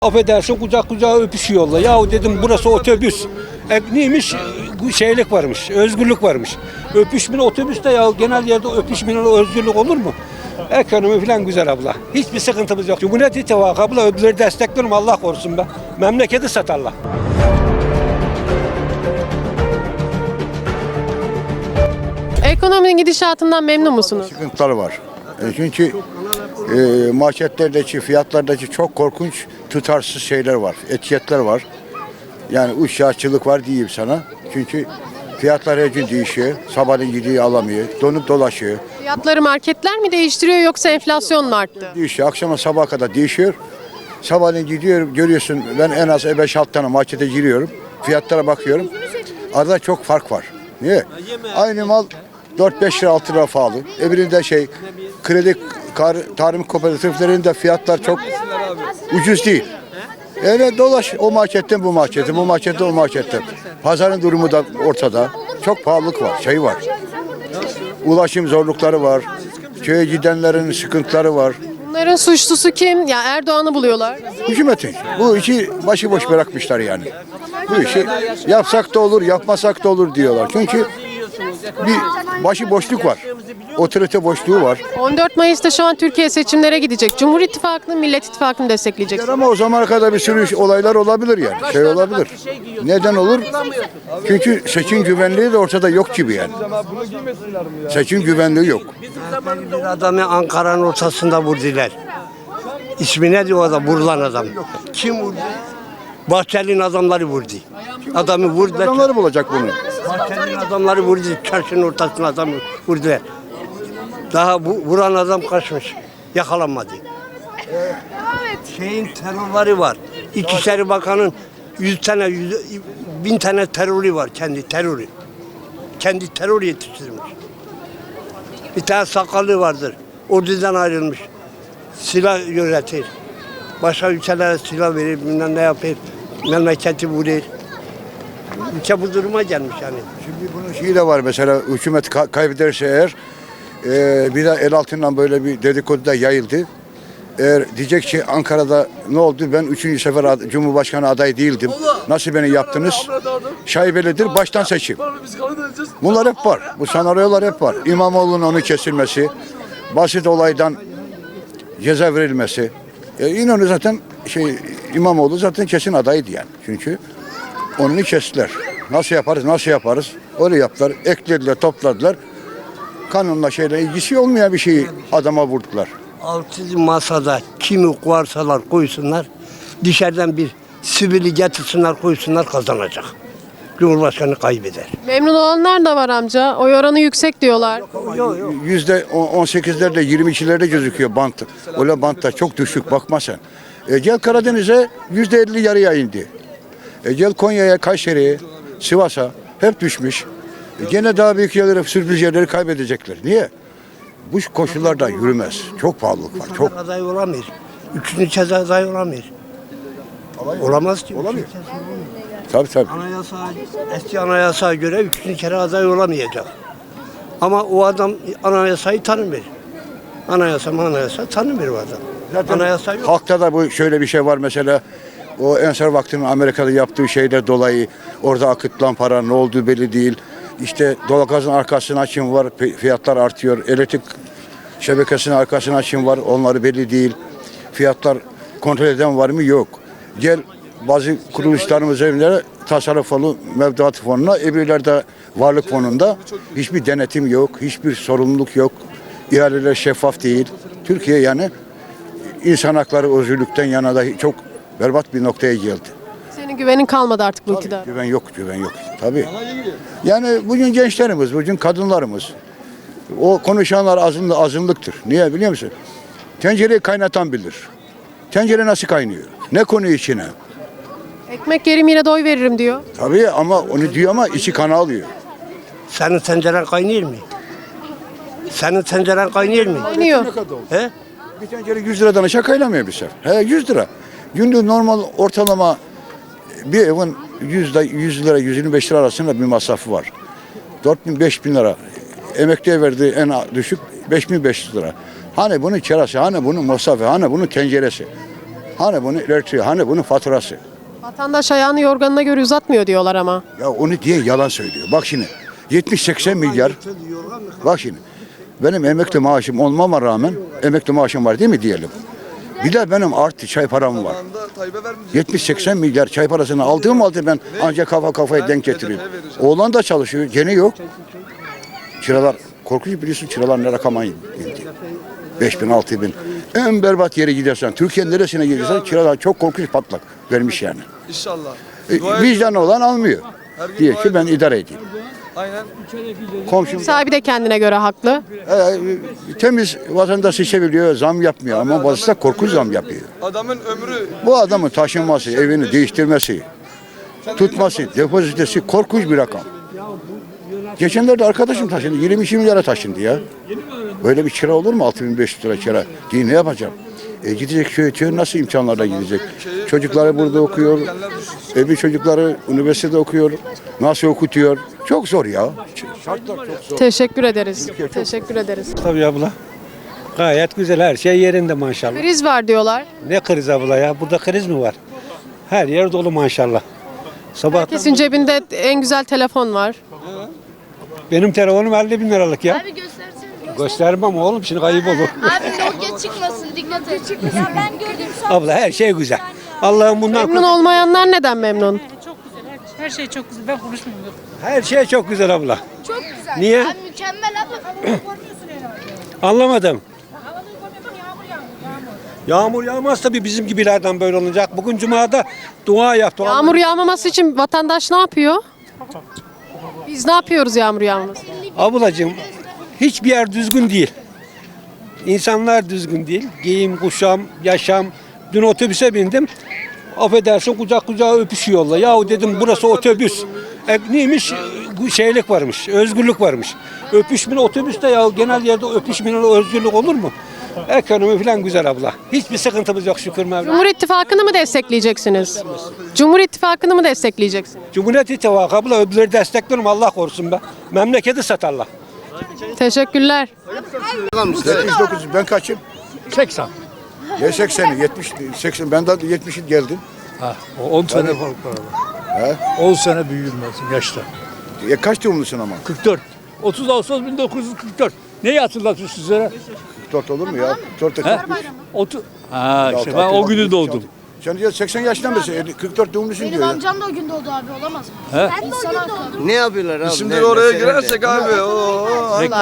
Affedersin kucak kucağa öpüşüyorlar. Yahu dedim burası otobüs. Neymiş? Şeylik varmış, özgürlük varmış. Öpüşmeyle otobüste ya genel yerde öpüşmeyle özgürlük olur mu? Ekonomi falan güzel abla. Hiçbir sıkıntımız yok. Cumhuriyet İttifakı abla öbürleri destekliyorum Allah korusun be. Memleketi satarlar. Ekonominin gidişatından memnun musunuz? Sıkıntıları var. Çünkü marketlerdeki, fiyatlardaki çok korkunç tutarsız şeyler var. Etiketler var. Yani uçakçılık var diyeyim sana. Çünkü fiyatlar her gün değişiyor. Sabahleyin gidiyor alamıyor. Donup dolaşıyor. Fiyatları marketler mi değiştiriyor yoksa enflasyon mu arttı? Değişiyor. Akşama sabaha kadar değişiyor. Sabahleyin gidiyorum görüyorsun ben en az 5-6 tane markete giriyorum. Fiyatlara bakıyorum. Arada çok fark var. Niye? Aynı mal 4-5 lira 6 lira pahalı. Öbüründe kredi tarım kooperatiflerinde fiyatlar çok ucuz değil. Evet dolaş o marketten bu markete, bu marketten o markete. Pazarın durumu da ortada. Çok pahalılık var, var. Ulaşım zorlukları var. Köye gidenlerin sıkıntıları var. Bunların suçlusu kim? Ya Erdoğan'ı buluyorlar. Hükümetin. Bu işi başıboş bırakmışlar yani. Bu işi yapsak da olur, yapmasak da olur diyorlar. Çünkü bir başıboşluk var. Otorite boşluğu var. 14 Mayıs'ta şu an Türkiye seçimlere gidecek. Cumhur İttifakı'nın Millet İttifakı'nı destekleyecek. Ama o zamana kadar bir sürü olaylar olabilir yani. Olabilir. Neden olur? Çünkü seçim güvenliği de ortada yok gibi yani. Seçim güvenliği yok. Bir adamı Ankara'nın ortasında vurdular. İsmi ne diyor o da vurulan adam? Kim vurdu? Bahçeli'nin adamları vurdu. Adamı vurdular. Adamları bulacak bunu. Bahçeli'nin adamları vurdu. Çarşının ortasına adamı vurdular. Daha bu vuran adam kaçmış. Yakalanmadı. Şeyin terörleri var. İçişleri Bakanı'nın 1000 tane terörü var. Kendi terörü. Kendi terör yetiştirmiş. Bir tane sakallı vardır. Ordudan ayrılmış. Silah yönetir. Başka ülkelere silah verir, bilmem ne yapar. Memleketi vurur. Ülke bu duruma gelmiş yani. Şimdi bunun şeyi de var mesela hükümet kaybederse eğer bir de el altından böyle bir dedikodu da yayıldı. Eğer diyecek ki Ankara'da ne oldu ben 3. sefer Cumhurbaşkanı adayı değildim. Nasıl beni yaptınız? Şaibelidir baştan seçim. Bunlar hep var. Bu senaryolar hep var. İmamoğlu'nun onu kesilmesi, basit olaydan ceza verilmesi. İnönü zaten İmamoğlu zaten kesin adaydı yani. Çünkü onu kestiler. Nasıl yaparız? Öyle yaptılar. Eklediler, topladılar. Kanunla ilgisi olmayan bir şeyi adama vurdular. Altıncı masada kimi koyarsalar koysunlar, dışarıdan bir sivili getirsinler koysunlar kazanacak. Cumhurbaşkanı kaybeder. Memnun olanlar da var amca. Oy oranı yüksek diyorlar. %18'lerde 22'lerde gözüküyor bant. Öyle bantlar çok düşük bakma sen. Gel Karadeniz'e %50 yarıya indi. Gel Konya'ya, Kayseri'ye, Sivas'a hep düşmüş. Gene daha büyük yerleri, sürpriz yerleri kaybedecekler. Niye? Bu koşullarda yürümez. Çok pahalılık var. Çok. Aday olamıyor. Üçüncü kez aday olamıyor. Olamaz ki. Olamıyor. Tabii. Eski anayasaya göre üçüncü kere aday olamayacak. Ama o adam anayasayı tanımıyor. Anayasa tanımıyor o adam. Zaten Anayasa yok. halkta da bu şöyle bir şey var mesela. O Ensar Vakti'nin Amerika'da yaptığı şeyler dolayı orada akıtılan para ne olduğu belli değil. İşte doğalgazın arkasına kim var? Fiyatlar artıyor. Elektrik şebekesinin arkasına kim var? Onları belli değil. Fiyatlar kontrol eden var mı? Yok. Gel bazı kuruluşlarımız evlere tasarruf fonu, mevduat fonuna, öbürlerde varlık fonunda hiçbir denetim yok, hiçbir sorumluluk yok. İhaleler şeffaf değil. Türkiye yani insan hakları özgürlükten yana da çok berbat bir noktaya geldi. Senin güvenin kalmadı artık bu iktidara. Güven yok. Tabii. Yani bugün gençlerimiz, bugün kadınlarımız, o konuşanlar azınlıktır. Niye biliyor musun? Tencereyi kaynatan bilir. Tencere nasıl kaynıyor? Ne konuyor içine? Ekmek yerim yine de oy veririm diyor. Tabii ama onu diyor ama içi kana alıyor. Senin tenceren kaynıyor mu? Senin tenceren kaynıyor mu? Kaynıyor. He? Bir tencere 100 liradan aşağı kaynamıyor bir sefer. 100 lira. Günlük normal ortalama bir evin 100 lira 125 lira arasında bir masrafı var. 4.000-5.000 lira. Emekliye verdiği en düşük 5.500 lira. Hani bunun kirası, hani bunun masrafı, hani bunun tenceresi. Hani bunun elektriği, hani bunun faturası. Vatandaş ayağını yorganına göre uzatmıyor diyorlar ama. Ya onu diye yalan söylüyor. Bak şimdi 70-80 milyar. Bak şimdi benim emekli maaşım olmama rağmen emekli maaşım var değil mi diyelim. Bir de benim artı çay param var. 70-80 milyar çay parasını aldığım halde ben ancak kafaya denk getiriyorum. Oğlan da çalışıyor. Gene yok. Kiralar korkunç, biliyorsun kiralar ne rakama indi. 5 bin 6 bin. En berbat yere gidersen, Türkiye'nin neresine gidersen kiralar çok korkunç patlak vermiş yani. İnşallah. Vicdanı olan almıyor. Diye ki ben idare edeyim. Aynen. Komşum Sahibi de kendine göre haklı. temiz vatandaşı seviyor, zam yapmıyor ama bazısı da korkunç zam yapıyor. Adamın ömrü Bu adamın taşınması, evini değiştirmesi, tutması, depozitesi korkunç bir rakam. Geçenlerde arkadaşım taşındı, 22 milyara taşındı ya. Böyle bir kira olur mu? 6500 lira kira. Diye ne yapacağım? Gidecek köye nasıl imkanlarla gidecek? Çocukları burada okuyor, bir çocukları üniversitede okuyor, nasıl okutuyor? Çok zor ya. Şartlar çok zor. Teşekkür ederiz. Teşekkür ederiz. Tabii abla. Gayet güzel, her şey yerinde maşallah. Kriz var diyorlar. Ne kriz abla ya? Burada kriz mi var? Her yer dolu maşallah. Sabah Herkesin cebinde en güzel telefon var. benim telefonum 50 bin liralık ya. Abi göstersene. Göstermem oğlum, şimdi kayıp olur. Abi Nokia çıkmasın, dikkat et. Ya ben gördüm son. Abla her şey güzel. Allah'ım bundan Memnun olmayanlar neden memnun? Çok güzel. Her şey çok güzel. Ben konuşmuyorum. her şey çok güzel abla. Çok güzel. Niye? Abi mükemmel abi. Anlamadım. Yağmur yağmaz tabii bizim gibilerden böyle olacak. Bugün Cuma'da dua yaptı. Yağmur yağmaması için vatandaş ne yapıyor? Biz ne yapıyoruz yağmur yağmaması? Ablacığım hiçbir yer düzgün değil. İnsanlar düzgün değil. Giyim, kuşam, yaşam. Dün otobüse bindim. Affedersin kucak kucağa öpüşüyorlar. Yahu dedim burası otobüs. Neymiş? Şeylik varmış, özgürlük varmış. Öpüşmeli otobüste ya genel yerde öpüşmeli özgürlük olur mu? Ekonomi falan güzel abla. Hiçbir sıkıntımız yok şükür Mevla. Cumhur İttifakı'nı mı destekleyeceksiniz? Cumhur İttifakı'nı mı destekleyeceksiniz? Cumhuriyet İttifakı abla öbürleri destekliyorum Allah korusun be. Memleketi satarlar. Teşekkürler. 79 ben kaçım? 80. Ne 80'i? 70, 80 ben de 70'i geldim. Ha, o 10 sene fark var arada. 10 sene büyümezsin yaşta. Kaç doğumlusun ama? 44. 30 Ağustos 1944. Neyi hatırlatıyor sizlere? 44 olur mu ya? 44 He? 30. Ha işte ben o günü doğdum. Sen diyor 80 yaşından beri 44 doğumlusun Benim diyor ya. amcam da o gün doğdu abi, olamaz mı? He? Ben de o gün doğdum. Ne yapıyorlar abi? Şimdi oraya girersek abi o Reklam